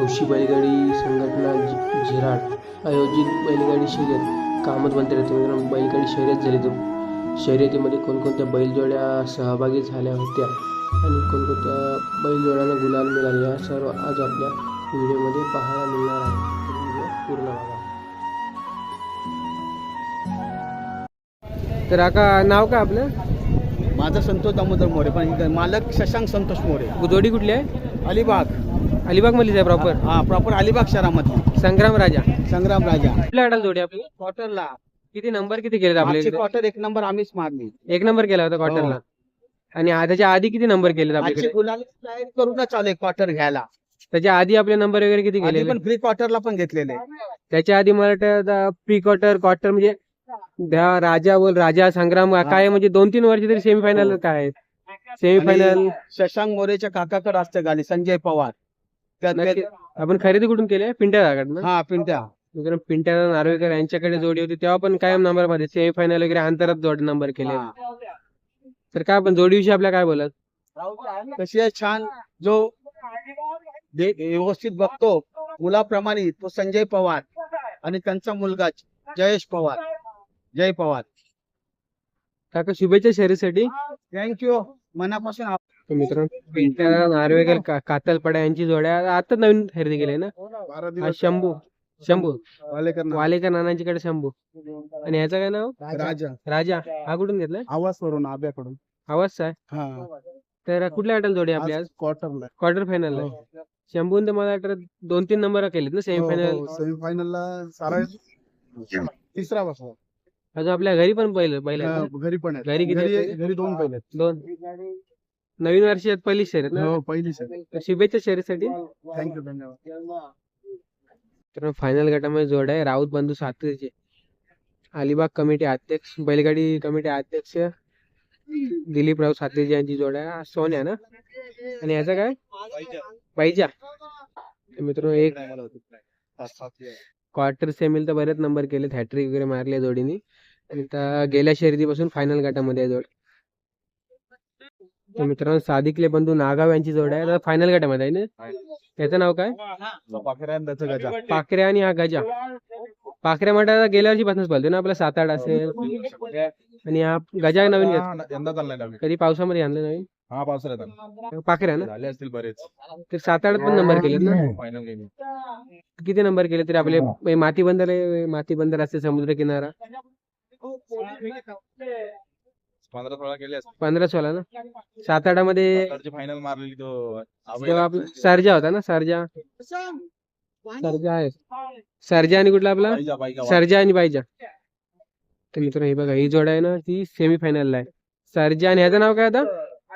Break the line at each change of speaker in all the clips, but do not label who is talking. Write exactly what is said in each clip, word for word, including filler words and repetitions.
हौशी बैलगाडी संघटना झि- झिराड आयोजित बैलगाडी शर्यत कामत बनते राहते. मित्रांनो, बैलगाडी शर्यत झाली. तो शर्यतीमध्ये कोणकोणत्या बैलजोड्या सहभागी झाल्या होत्या आणि कोणकोणत्या बैलजोड्यांना गुलाल मिळाले या सर्व आज आपल्या व्हिडिओमध्ये पाहायला मिळणार आहे. तर व्हिडिओ पूर्ण बघा. तर आका नाव काय आपलं?
माझं संतोष दामोदर मोरे, पण इथं मालक शशांक संतोष मोरे.
जोडी कुठली आहे?
अलिबाग.
अलिबाग मधलीच आहे प्रॉपर?
हा, प्रॉपर अलिबाग शहरामधली.
संग्राम राजा.
संग्राम राजा
कुठल्या अडाल जोडी आपली?
क्वार्टरला.
किती नंबर किती केले आपले?
आजचे क्वार्टर एक नंबर आम्हीच मारली.
एक नंबर केला होता क्वार्टरला. आणि आ- त्याच्या आधी किती नंबर केले
आजचे
आपल्याकडे?
गुलाल तयारी करूनच चालू क्वार्टर घ्यायला.
त्याच्या आधी आपले नंबर वगैरे किती
आधी
केले?
पण प्री क्वार्टरला पण घेतलेले.
त्याच्या आधी मला वाटतं प्री क्वार्टर क्वार्टर म्हणजे त्या राजा बोल राजा संग्राम काय म्हणजे दोन तीन वर्ष तरी सेमीफायनल
हो.
काय सेमीफायनल.
आणि शशांक मोरेच्या काकाकडे असते गाडी, संजय पवार. त्यात
आपण खरेदी कुठून केले? पिंट्या जागात.
हा, पिंट्या.
मित्रांनो, पिंट्या नार्वेकर यांच्याकडे जोडी होती तेव्हा पण कायम नंबर मध्ये सेमीफायनल वगैरे अंतरात जोड नंबर केले.
हा.
तर काय आपण जोडीविषयी आपल्या काय बोलत?
कशी आहे छान. जो दे- व्यवस्थित बघतो मुलाप्रमाणे तो संजय पवार आणि त्यांचा मुलगा जयेश पवार, जय पवार.
काका शुभेच्छा शर्यतीसाठी.
थँक्यू मनापासून. आप-
तर मित्रांनो, पिंट्या नार्वेकर का- कातलपडा यांची जोड्या आता नवीन खरेदी केली ना. हा शंभू शंभू वालेकर नानांच्याकडे शंभू. आणि ह्याचं काय नाव?
राजा.
राजा. हा कुठून घेतलाय?
आवाज वरून आब्याकडून.
आवाज आहे.
हा,
तर कुठल्या गटाला जोडी आपली आज?
क्वार्टरला.
क्वार्टर फायनल आहे. शंभून तर मला वाटतं दोन तीन नंबर केलेत ना सेमीफायनल.
सेमीफायनलला सारा तिसरा बसला.
अजून आपल्या घरी पण पहिलं पहिलं
घरी पण
घरी किती आहेत?
घरी दोन पहिले.
दोन. नवीन वर्षात पहिली शर्यत ना.
हो, पहिली सर.
तर शुभेच्छा शर्यतीसाठी.
थँक्यू, धन्यवाद.
तर फायनल गटामध्ये जोड आहे राऊत बंधू सातरचे अलिबाग कमिटी अध्यक्ष बैलगाडी कमिटी अध्यक्ष दिलीप राव सातरचे यांची जोड आहे. सोन्या ना. आणि याचा काय? पाहिजा. मित्रांनो, एक क्वार्टर सेमील तर बरेच नंबर केले, हॅट्रिक वगैरे मारले जोडीने. आणि आता गेल्या शर्यतीपासून फायनल गटामध्ये आहे जोड. तर मित्रांनो, सादिकले बंधू नागाव यांची जोड आहे. आता फायनल गटामध्ये आहे ना. त्याचं नाव काय? पाखऱ्या आणि हा गजा. पाखऱ्या म्हणतात गेल्या वर्षी पासूनच बोलतो ना आपला सात आठ असेल. आणि हा गजा नवीन घेत कधी पावसामध्ये आणलं नवीन.
हा, पावसाळ्यात
पाखऱ्या ना.
झाले असतील बरेच.
तर सात आठ पण नंबर केलेत ना.
फायनल गेली.
किती नंबर केले तरी आपले माती बंदर आहे, माती बंदर असते समुद्र किनारा.
पंधरा सोळा केले असतील.
पंधरा सोळा ना. सात आठामध्ये
फायनल मारलेली तो
तेव्हा आपला सर्जा होता ना. सर्जा सर्जा आहे. सर्जा आणि कुठला आपला?
पाहिजा, पाहिजा.
सर्जा आणि बायजा. तर मित्रांनो, हे बघा ही जोड आहे ना, ती सेमी फायनलला आहे. सर्जा आणि ह्याचं नाव काय आता?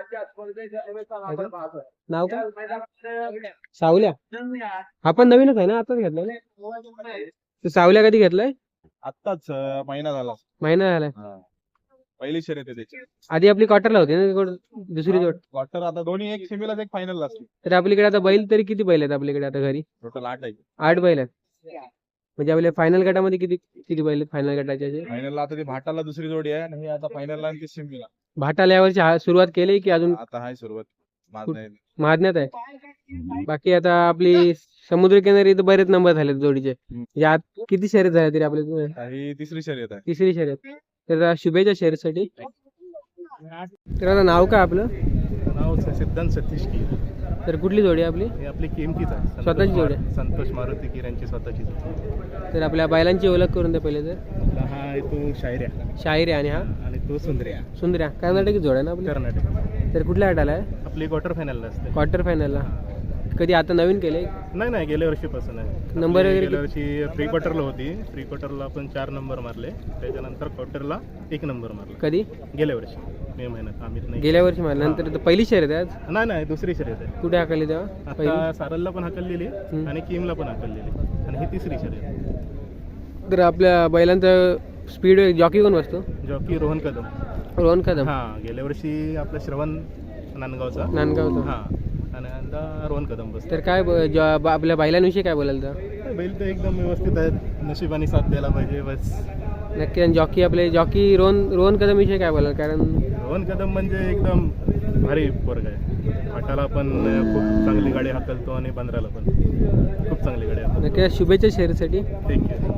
नाव काय? सावल्या. हा पण नवीनच आहे ना, आताच घेतलाय ना. तर सावल्या कधी घेतलाय?
आत्ताच अं, महिना झाला.
महिना झालाय.
हा. पहिली शर्यत आहे त्याची.
आधी आपली क्वार्टरला होती ना कोण- दुसरी जोड.
क्वार्टर आता दोन्ही एक सेमीला एक फायनल असते.
तर आपल्याकडे आता बैल तरी किती बैल आहेत आपल्याकडे आता घरी?
टोटल आठ आहे.
आठ बैल आहेत. म्हणजे आपल्या फायनल गटामध्ये किती किती बैल आहेत फायनल गटाचे?
फायनलला आता ती भाटाला दुसरी जोडी आहे आणि हे आता फायनलला आणि ती सेमीला.
भाटाला यावरची हा- सुरुवात केली की अजून
आता हाय सुरुवात. माझं नाही.
महाज्ञात आहे. बाकी आता आपली समुद्रकिनारी तर बरेच नंबर झाले जोडीचे. यात किती शर्यत झाल्या तरी आपल्या?
आता ही तिसरी शर्यत आहे.
तिसरी शर्यत. तर आता शुभेच्छा शर्यतीसाठी. तर आता नाव काय आपलं?
नाव सिद्धांत सतीश कीर.
तर कुठली जोडी आहे आपली?
हे आपली किमतीच आहे. संतोष
स्वतःची जोडी
मारु- संतोष मारुती कीर यांची स्वतःची जोडी.
तर आपल्या बैलांची ओळख करून द्या पहिले. तर
आपला हा आहे तो शायऱ्या
शाहीर आहे आणि हा
आणि तो सुंदर्या,
सुंदर्या. कर्नाटकी जोड आहे ना आपली.
कर्नाटक.
तर कुठल्या गटाला आहे?
आपली क्वार्टर फायनलला असते.
क्वार्टर फायनलला. कधी आता नवीन केले?
नाही नाही गेल्या वर्षीपासून आहे.
नंबर
आपली
वगैरे
गेल्या वर्षी प्री क्वार्टरला होती. प्री क्वार्टरला आपण चार नंबर मारले. त्याच्यानंतर क्वार्टरला एक नंबर मारला
कधी?
गेल्या वर्षी मे महिन्यात. आम्ही नाही
गेल्या वर्षी मला. नंतर तर पहिली शर्यत आहे आज.
नाही नाही दुसरी शर्यत आहे.
कुठे हाकली तेव्हा?
आता सारलला पण हाकललेली आणि किमला पण हाकललेली आणि ही तिसरी शर्यत.
तर आपल्या बैलांचं स्पीड जॉकी कोण बसतो?
जॉकी रोहन कदम.
रोहन कदम.
हा, गेल्या वर्षी आपला श्रवण नांदगावचा.
नांदगावचा.
हा, आणि आता रोहन कदम बस.
तर काय ब- ज- ब- आपल्या बैलांविषयी काय बोलाल तर?
बैल तर एकदम व्यवस्थित आहेत. नशिबाने साथ द्यायला पाहिजे बस.
नक्की. आणि जॉकी आपले जॉकी रोहन रोहन कदम विषयी काय बोलाल? कारण
रोहन कदम म्हणजे एकदम भारी पोरग आहे. फाटाला पण खूप चांगली गाडी हाकलतो आणि बंदराला पण खूप चांगली गाडी हाकलतो.
नक्की शुभेच्छा शर्यतीसाठी.
थँक्यू.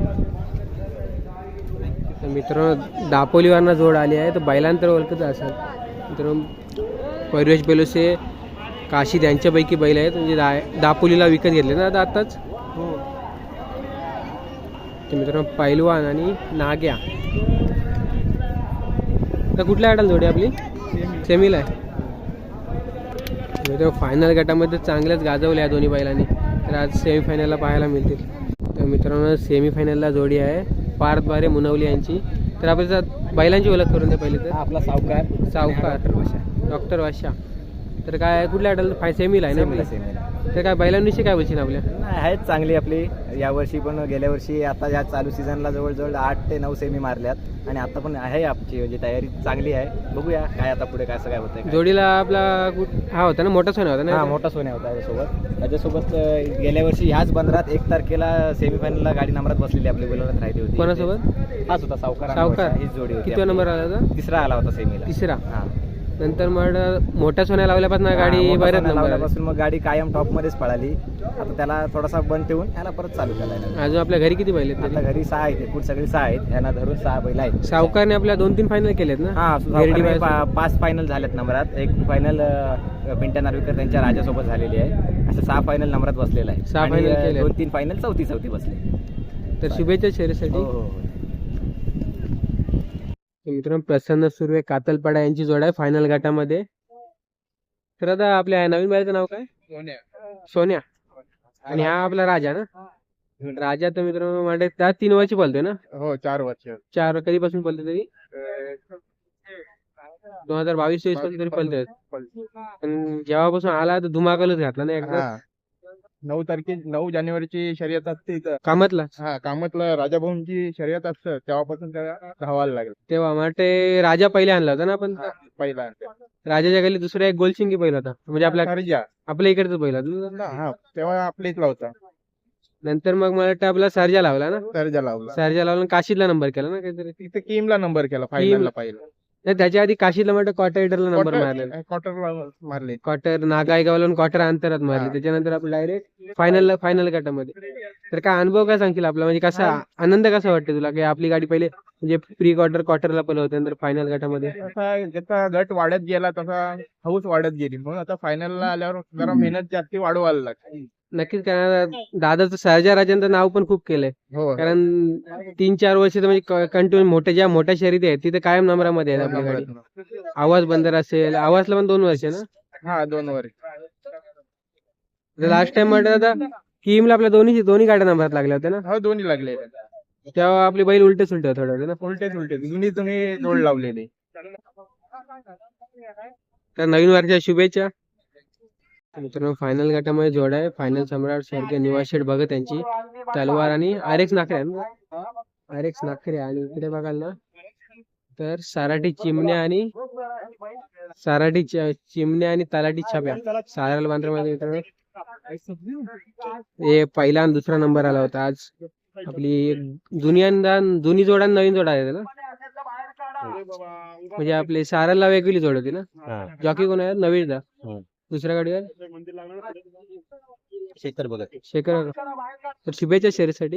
तर मित्रांनो दापोलीवरनं जोड आली आहे, तर बैलांतर ओळखत असाल मित्रांनो. परिवेश बेलोसे काशी यांच्यापैकी बैल आहेत, म्हणजे दा दापोलीला विकत घेतले ना आता आत्ताच. तर मित्रांनो पैलवान आणि नाग्या. तर कुठल्या गटाला जोडी आपली? सेमीला आहे. मित्रांनो फायनल गटामध्ये चांगल्याच गाजवल्या दोन्ही बैलांनी, तर आज सेमीफायनलला पाहायला मिळतील. तर मित्रांनो सेमीफायनलला जोडी आहे पार्थ बारे मुनवली यांची. तर आपल्या बैलांची ओळख करून द्या पहिले. तर
आपला सावकार
सावकार डॉक्टर वाशा. तर काय कुठल्या गटाला? फाय सेमीला आहे ना. तर काय बैलांविषयी काय बोलशील आपल्या?
आहेत चांगली आपली यावर्षी पण गेल्या वर्षी आता या चालू सीझनला जवळजवळ आठ ते नऊ सेमी मारल्यात आणि आता पण आहे आमची म्हणजे तयारी चांगली आहे. बघूया काय आता पुढे कसं काय होतंय.
जोडीला आपला कुठ- हा होता ना मोठा सोना होता
हा
ना.
मोठा सोन्या होता त्याच्यासोबत. त्याच्यासोबत अं, गेल्या वर्षी ह्याच बंदरात एक तारखेला सेमीफायनलला गाडी नंबरात बसलेली आपली बोलवण्यात राहिली होती.
कोणासोबत?
हाच होता सावकार आणि
सावकार.
वैशा, हीच जोडी होती
किती नंबर
आपली.
आला होता?
तिसरा आला होता सेमीला.
तिसरा.
हा
नंतर मग मोठ्या सोन्या लावल्यापासून गाडी
हा, मोठा
बऱ्याच
सोन्या
नंबर आले.
लावल्यापासून मग गाडी कायम टॉप मध्येच पळाली. आता त्याला थोडासा बंद ठेवून याला परत चालू करायला.
अजून आपल्या घरी किती बैल आहेत
आता
तरी?
घरी सहा आहेत एकूण सगळी सहा आहेत. यांना धरून सहा बैल आहेत.
सावकारने आपल्या दोन तीन फायनल केलेत ना.
हा
गिरडी
सावकारने
बाई-
पा- पाच फायनल झाल्यात नंबरात. एक फायनल पिंट्या नार्वेकर त्यांच्या राजासोबत झालेली आहे. असं सहा फायनल नंबरात बसलेला आहे.
सहा
आणि,
final
अ,
केलेत.
दोन तीन फायनल चौथी चौथी बसले.
तर शुभेच्छा शर्यतीसाठी.
हो, हो, हो.
तर मित्रांनो प्रसन्न सुर्वे कातलपाडा यांची जोड आहे फायनल गटामध्ये. तर आता आपल्या नवीन बैलाचं नाव काय? सोन्या. आणि हा आपला राजा ना. राजा तर मित्रांनो म्हणजे त्या तीन वर्षी पळतोय ना.
हो चार वर्ष.
चार कधीपासून पळते तरी? दोन हजार बावीस तेवीस पासून तरी पळतोय. पण जेव्हापासून आला तर धुमाकूलच घातला ना एकदा.
हा नऊ तारखे नऊ जानेवारीची शर्यत असते इथं.
कामातला
हा कामातला राजाभाऊंची शर्यत असतं तेव्हापासून त्याला धावायला लागलं
तेव्हा वाटते राजा पहिले आणला होता ना आपण.
पहिला.
राजाच्या खाली दुसरा एक गोलशिंगी पहिला होता, म्हणजे आपल्या
सर्जा.
आपल्या इकडचा पहिला होता.
हा तेव्हा आपल्या इथला होता.
नंतर मग मला वाटतं आपला सर्जा लावला ना.
सर्जा लावला.
सर्जा लावला आणि काशीदला नंबर केला ना काहीतरी.
तिथे किमला नंबर केला फायनलला पहिला.
नाही त्याच्या आधी काशीदला म्हणतं क्वार्टर हिटरला नंबर मारलेला.
क्वार्टरला मारले.
क्वार्टर नागाईगावला क्वार्टर अंतरात मारले.
हा.
त्याच्यानंतर आपण डायरेक्ट फायनल फायनल गटामध्ये. तर काय अनुभव काय सांगशील आपला, म्हणजे कसा आनंद कसा वाटते तुला की आपली गाडी पहिले म्हणजे प्री क्वार्टर क्वार्टरला पळवते नंतर फायनल गटामध्ये?
तसा जसा गट वाढत गेला तसा हौस वाढत गेली. म्हणून आता फायनलला आल्यावर जरा मेहनत जास्ती वाढवायला लागते.
नक्कीच. कारण दादाचं सर्जा राजांचं नाव पण खूप केलंय.
हो
कारण तीन चार वर्ष तर म्हणजे कंटिन्यू मोठ्या ज्या मोठ्या शर्यती आहेत तिथे कायम नंबरामध्ये आहे आपली गाडी. आवाज बंदर असेल, आवाजला पण दोन वर्ष ना.
हा दोन वर्ष.
लास्ट टाइम म्हटलं आता किमला आपल्या दोन्ही दोन्ही गाड्या नंबरात लागल्या होत्या ना.
हो दोन्ही लागले.
तेव्हा आपली बैल उलटे सुलटे होते थोडं ना.
उलटेच उलटे दोन्ही तुम्ही जोड लावलेले.
तर नवीन वर्षाच्या शुभेच्छा. मित्रांनो फायनल गटामध्ये जोड आहे फायनल सम्राट स्वर्गीय निवास शेठ भगत यांची तलवार आणि आर एक्स नाखरे आर एक्स नाखरे. आणि इकडे बघाल ना तर साराठी चिमण्या आणि साराठी च- चिमण्या आणि तलाठी छाप्या साराल बांद्रामध्ये मित्रांनो हे पहिला आणि दुसरा नंबर आला होता. आज आपली दुनियांदा जुनी जोड आणि नवीन जोड आहे ना. म्हणजे आपली साराला वेगळी जोड होती ना. जॉकी कोण आहे? नवीन दा. दुसऱ्या गाडीवर
शेखर बघत.
शेखर. तर शुभेच्छा शर्यतीसाठी.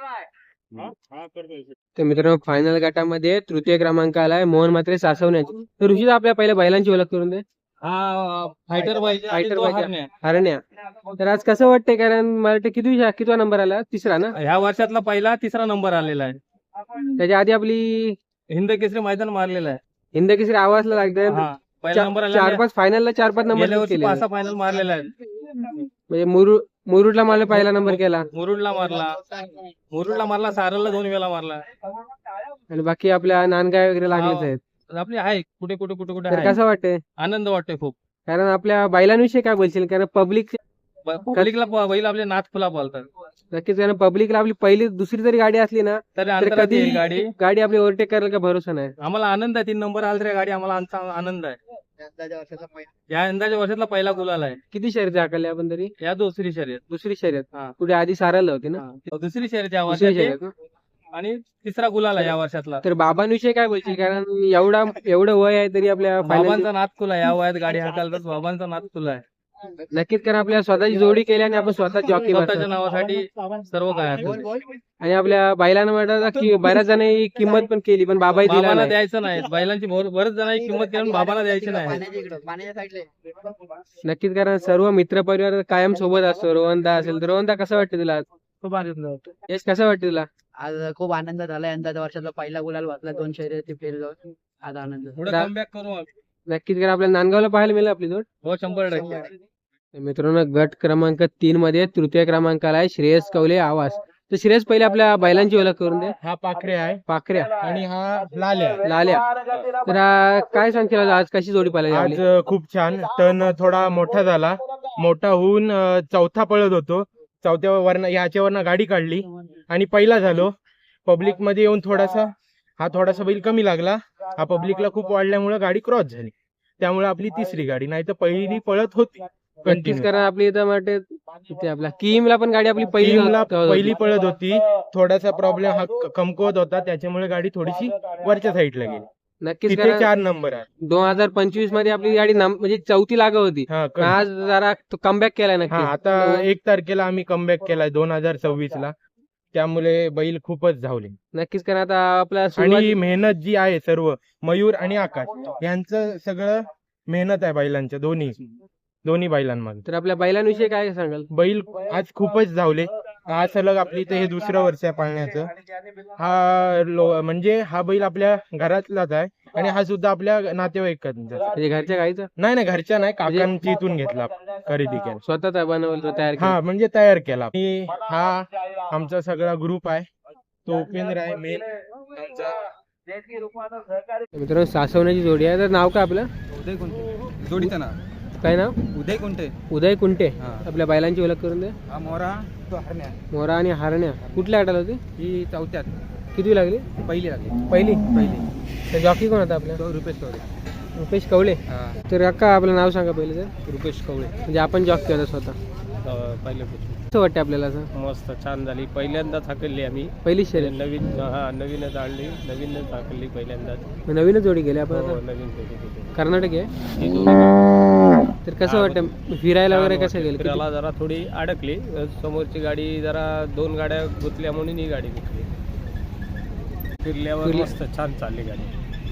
तर मित्रांनो फायनल गटामध्ये तृतीय क्रमांक आलाय मोहन मात्रे सासवण्याची. तर ऋषी आपल्या पहिल्या बैलांची ओळख करून दे.
Fighter
fighter हरण्या. तर आज कसं वाटतंय, कारण मला वाटतं किती कितवा नंबर आला? तिसरा ना.
ह्या वर्षातला पहिला तिसरा नंबर आलेला आहे.
त्याच्या आधी आपली
हिंद केसरी मैदान मारलेला आहे.
हिंद केसरी आवाजला लागतंय.
हा, पहिला नंबर आलेला
चार
आहे.
पाच फायनलला चार पाच
गेल्या
नंबर
वर्षी
केले.
पाच सहा फायनल मारलेला आहे.
म्हणजे मुरुड मुरुडला मला पहिला नंबर केला
मुरुडला मारला मुरुडला मारला सारलला दोन वेळा मारला.
आणि बाकी आपल्या नांदगाव वगैरे लागलेच आहेत.
आपली आहे कुठे कुठे कुठे कुठे
तर
आहे.
कसं वाटतंय,
आनंद वाटतोय खूप.
कारण आपल्या बैलांविषयी काय बोलशील? कारण पब्लिक
पब्लिकला बैल आपले नाथ फुला बोलतात.
नक्कीच, कारण पब्लिकला आपली पहिली दुसरी जरी गाडी असली ना
तरी
तर
अंतरात
कधी
येईल गाडी.
गाडी आपली ओव्हरटेक करायला काय भरोसा नाही.
आम्हाला आनंद आहे. तीन नंबर आला तरी गाडी आम्हाला आमचा आनंद आहे. या यंदाच्या वर्षातला पहिला गुलाल आहे.
किती शर्यती हाकलल्या आपण तरी?
या दुसरी शर्यत.
दुसरी शर्यत.
हा.
पुढे आधी सारायला होती ना.
हा. दुसरी शर्यत या
दुसरी
वर्षाची
शर्यत ना.
आणि तिसरा गुलाल आहे या वर्षातला.
तर बाबांविषयी काय बोलशील? कारण एवढा एवढं वय आहे तरी आपल्या final
बाबांचा नाथ खुला या वयात गाडी हाकालतात. बाबांचा नाथ खुला आहे.
नक्कीच, कारण आपल्या स्वतःची जोडी केली आणि आपण स्वतः जॉकी
स्वतःच्या नावासाठी सर्व काय आहे.
आणि आपल्या बैलांना म्हटलं की बऱ्याच जणांनी किंमत पण केली, पण बाबाही दिला
बाबांना
नाही.
द्यायचं नाही. बैलांची भर- बरेच जणांची किंमत केली पण बाबांना द्यायची नाही.
नक्कीच, कारण सर्व मित्र परिवार कायम सोबत असतो. रोहनदा असेल तर रोहनदा कसं वाटतं तुला आज?
खूप आनंद होतो.
यश कसं वाटतं तुला?
आज खूप आनंद झाला. यंदाच्या वर्षाचा पहिला गुलाल वाचला. दोन शर्यती फेल आज आनंद.
पुढे
रा-
कमबॅक करू आम्ही.
नक्कीच, कारण आपल्याला नांदगावला पाहायला मिळेल आपली जोड.
हो शंभर टक्के.
मित्रांनो, गट क्रमांक तीन मध्ये तृतीय क्रमांकाला आहे श्रेयस कवले आवाज. तर श्रेयस पहिले आपल्या बैलांची ओळख करून दे.
हा पाखरे आहे
पाखऱ्या
आणि हा लाल्या.
लाल्या. तर आ, काय सांगशील आज आज कशी जोडी पाहिली
आज
आपली?
अ, खूप छान. तण थोडा मोठा झाला. मोठा होऊन अ, चौथा पळत होतो. चौथ्या वरनं याच्यावरनं गाडी काढली आणि पहिला झालो. पब्लिक मध्ये येऊन थोडासा हा थोडासा बैल कमी लागला. हा पब्लिकला खूप वाढल्यामुळे गाडी क्रॉस झाली. त्यामुळे आपली तिसरी गाडी, नाही तर पहिली पळत होती
नक्कीच,
कंटिन्यू.
कारण आपली इथं वाटते इथे आपला किमला पण गाडी आपली पहिली
टीमला
होती.
पहिली पळत होती. थोडासा प्रॉब्लेम हा क- कमकुवत होता, त्याच्यामुळे गाडी थोडीशी वरच्या साईडला गेली.
नक्कीच,
तिथे
कारण
चार नंबर आहे.
दोन हजार पंचवीस मध्ये आपली गाडी नम- म्हणजे चौथी लागत होती.
हा
पण आज जरा कमबॅक केलाय
हा
नक्की.
आता एक तारखेला आम्ही कमबॅक केलाय दोन हजार सव्वीस ला. त्यामुळे बैल खूपच धावले.
नक्कीच, कारण आता आपला
आणि
सुरुवात-
मेहनत जी आहे सर्व मयूर आणि आकाश यांचं सगळं मेहनत आहे बैलांच्या दोन्ही दोन्ही बैलांमध्ये.
तर आपल्या बैलांविषयी काय सांगाल?
बैल आज खूपच धावले. हा सलग आपली इथे हे दुसरं वर्ष आहे पाळण्याचं. हा लो म्हणजे हा बैल आपल्या घरातलाच आहे आणि हा सुद्धा आपल्या नातेवाईकांचा.
म्हणजे घरच्या गाईचा
नाही नाही घरच्या नाही, काकांची इथून घेतला खरेदी केला.
स्वतः बनवलं तयार केलं.
हा म्हणजे तयार केला. आणि हा आमचा सगळा ग्रुप आहे. तो उपेंद्र आहे मेन आमचा.
मित्रांनो, सासवण्याची जोडी आहे. तर नाव काय आपलं?
उदय कुंटे जोडीचं नाव
काय नाव?
उदय कुंटे.
उदय कुंटे.
हा.
आपल्या बैलांची ओळख करून दे.
हा मोरा तो हरण्या.
मोरा आणि हारण्या कुठल्या गटाला होती?
ही चौथ्यात
किती लागली?
पहिली लागली.
पहिली.
पहिली
तर जॉकी कोण होता आपल्या?
तो रुपेश कवडे.
रुपेश कवळे.
हा
तर अक्का आपलं नाव सांगा पहिले तर.
रुपेश कवळे.
म्हणजे आपण जॉकी होता स्वतः.
पहिले
कसं वाटतं आपल्याला असं?
मस्त छान झाली. पहिल्यांदाच हाकलली आम्ही.
पहिली शर्यत.
नवीन हा नवीनच आणली. नवीनच हाकलली पहिल्यांदाच.
नवीनच जोडी गेली आपण
हो
आता.
नवीन जोडी केली.
कर्नाटक आहे.
ही जोडी
तर कसं वाटतं फिरायला वगैरे कसं गेलं? किती-
फिरायला जरा थोडी अडकली. समोरची गाडी जरा दोन गाड्या गुतल्या म्हणून ही गाडी घेतली. फिरल्यावर
फिरली-
मस्त छान चालली गाडी.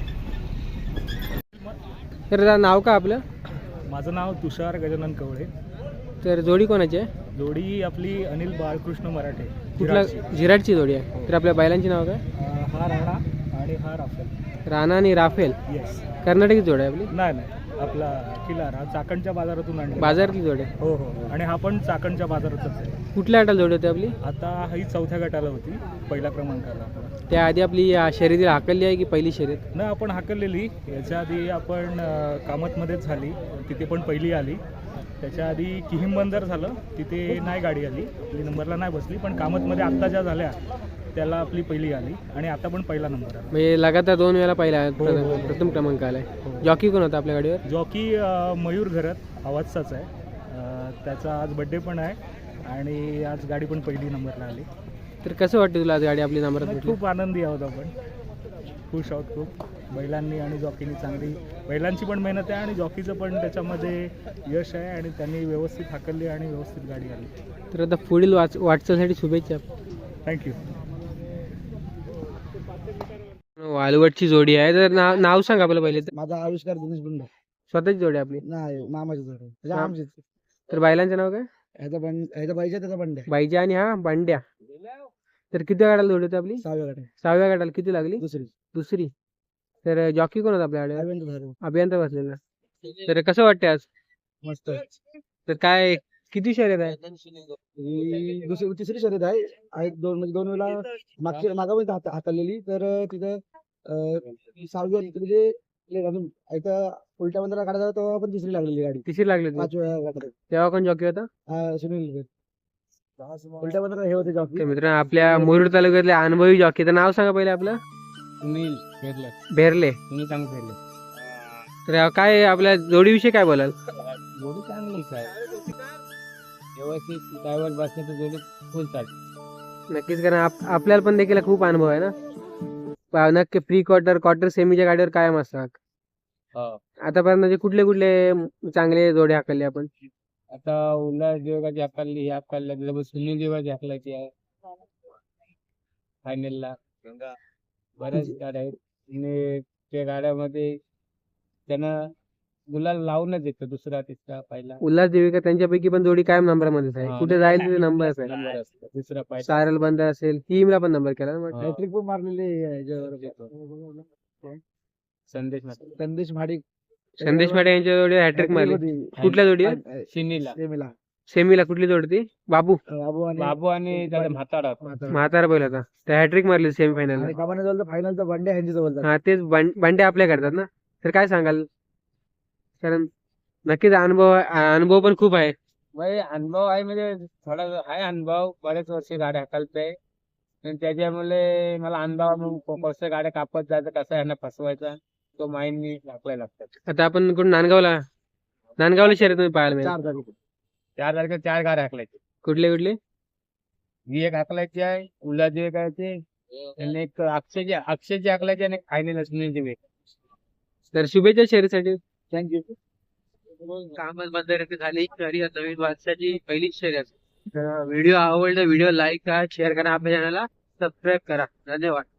तर जरा नाव का आपलं?
माझं नाव तुषार गजानन कवळे.
तर जोडी कोणाची आहे?
जोडी आपली अनिल बाळकृष्ण मराठे.
कुठला?
जिराची.
झिराटची जोडी आहे. तर आपल्या बैलांची नाव काय?
अं, हा राणा आणि हा राफेल.
राणा आणि राफेल.
येस.
कर्नाटकी जोड आहे आपली.
नाही नाही आपला किलार हा चाकणच्या बाजारातून आणला.
बाजारातली जोड आहे.
हो हो आणि हा पण चाकणच्या बाजारातच आहे.
कुठल्या गटाला जोडी होती आपली?
आता ही चौथ्या गटाला होती. पहिल्या क्रमांकाला आपला.
त्याआधी आपली या शर्यतीला हाकलली आहे की पहिली शर्यत?
न आपण हाकललेली. याच्या आधी आपण अं, कामतमध्येच झाली. तिथे पण पहिली आली. त्याच्या आधी किहिम बंदर झालं. तिथे नाही गाडी आली. आपली नंबरला नाही बसली. पण कामतमध्ये आत्ता ज्या झाल्या त्याला आपली पहिली आली आणि आता पण पहिला नंबर आला.
म्हणजे लगातार दोन वेळा पहिला
हो, हो, हो.
प्रथम क्रमांक आलाय.
हो.
जॉकी कोण होता आपल्या गाडीवर?
जॉकी अ, मयूर घरत आवाजचाच आहे. अ, त्याचा आज बड्डे पण आहे आणि आज गाडी पण पहिली नंबरला आली.
तर कसं वाटतं तुला आज गाडी आपली नंबरात
नाही,
भेटली?
खूप आनंदी आहोत आपण. खुश आहोत खूप. बैलांनी आणि जॉकीनी चांगली बैलांची पण मेहनत आहे आणि जॉकीचं पण त्याच्यामध्ये यश आहे आणि त्यांनी व्यवस्थित हाकलली आणि व्यवस्थित गाडी आली.
तर आता पुढील वाच वाटचालीसाठी शुभेच्छा.
थँक्यू.
वालवटची जोडी आहे. तर नाव नाव सांग आपलं पहिले तर.
माझा आविष्कार दिनेश बुंडे.
स्वतःची जोडी आहे आपली.
नाही मामाची जोड आहे.
हा.
आमचीच.
तर बैलांचं नाव काय?
ह्याचा बंड ह्याचा पाहिजे त्याचा बंड
बाईजा आणि हा बांड्या. तर किती गाड्याला जोडी होती आपली?
सहाव्या गाडी
सहाव्या गाड्याला किती लागली?
दुसरी
दुसरी. तर जॉकी कोण होता आपल्या गाडीवर?
अरविंद धरे.
अभियंता बसलेला. तर कसं वाटतं आज?
मस्त.
तर काय किती शर्यत आहे?
ही दुसरी तिसरी शर्यत आहे. आहे दोन म्हणजे दोन वेळा मागच्या मागापर्यंत हात हाताळलेली. तर तिथं अं, सहावी म्हणजे ले- अजून इथं उलट्या बंदरा काढायचा तेव्हा पण तिसरी लागलेली गाडी.
तिसरी लागली होती.
पाच वेळा गाडी.
तेव्हा कोण जॉकी होता?
हा, सुनील उलट्या बंदरा हे होते
तर
जॉकी.
मित्रांनो, आपल्या मुरुड तालुक्यातले अनुभवी जॉकी. तर नाव सांगा पहिले आपलं.
सुनील भेटलं.
भेरले.
तुम्ही चांगलं भेटले.
तर काय आपल्या जोडीविषयी काय बोलाल?
जोडी चांगलीच आहे. व्यवस्थित ड्रायव्हर बसण्याचं जोडी फुल चालते.
नक्कीच, कारण आप- आपल्याला पण देखील खूप अनुभव आहे ना. पा- नक्की प्री क्वार्टर क्वार्टर सेमीच्या गाडीवर कायम असतात.
हो.
आतापर्यंत म्हणजे कुठले कुठले चांगले जोडे हाकलले आपण?
आता उल्हास देवगाची हाकलली ही हाकलल्या त्याच्यामुळे सुनील देवगाची हाकलायची आहे फायनलला. बऱ्याच गाड्या आहेत आणि त्या गाड्यामध्ये त्यांना गुलाल लावूनच येतो दुसरा तिसरा पहिला
उल्हास देविका त्यांच्यापैकी पण जोडी कायम नंबरमध्येच आहे.
हा.
कुठे जाईल तिथे नंबरच आहे.
नंबर असतो दुसरा पहिला.
सारल बंदर असेल टीमला पण नंबर केला ना वाटतं.
हा.
हॅट्रिक पण मारलेली आहे याच्यावर.
संदेश मात्र
संदेश महाडिक
संदेश पाटे यांच्या जोडी हॅट्रिक मारली. कुठल्या जोडी
शिनीला
सेमीला
सेमीला कुठली जोडी ती बाबू
बाबू आणि
बाबू आणि त्याचा म्हातारा
म्हातारा बैल होता त्या हॅट्रिक मारली सेमीफायनल.
आणि कमाने जवळ फायनलचा बंडे ह्यांच्या जवळ झाला.
हा तेच बं- बंडे आपल्या करतात ना. तर काय सांगाल, कारण नक्कीच अनुभव अनुभव पण खूप आहे.
भाई अनुभव आहे म्हणजे थोडा आहे अनुभव बरेच वर्ष गाड्या हाकलतोय आणि त्याच्यामुळे मला अनुभव कसं गाड्या कापत जायचं कसं यांना फसवायचा तो माइंड टाकलाय लागतात.
आता आपण कुठं नांदगावला नांदगावला शर्यत तुम्ही पाहायला मिळेल.
चार तारीख
चार तारखेला चार गाड्या हाकलायचे.
कुठले कुठले
ही एक हाकलायची आहे उल्हास एक आहे आणि एक अक्षयची अक्षयची हाकलायची आणि एक फायनल सुनीलची वेग.
तर शुभेच्छा शर्यतीसाठी.
थँक्यू.
कामच बंदर झाली तरी नवीन वर्षाची पहिलीच शर्यत. व्हिडिओ आवडला व्हिडिओ लाईक करा शेअर करा आपल्या चॅनलला सबस्क्राईब करा. धन्यवाद.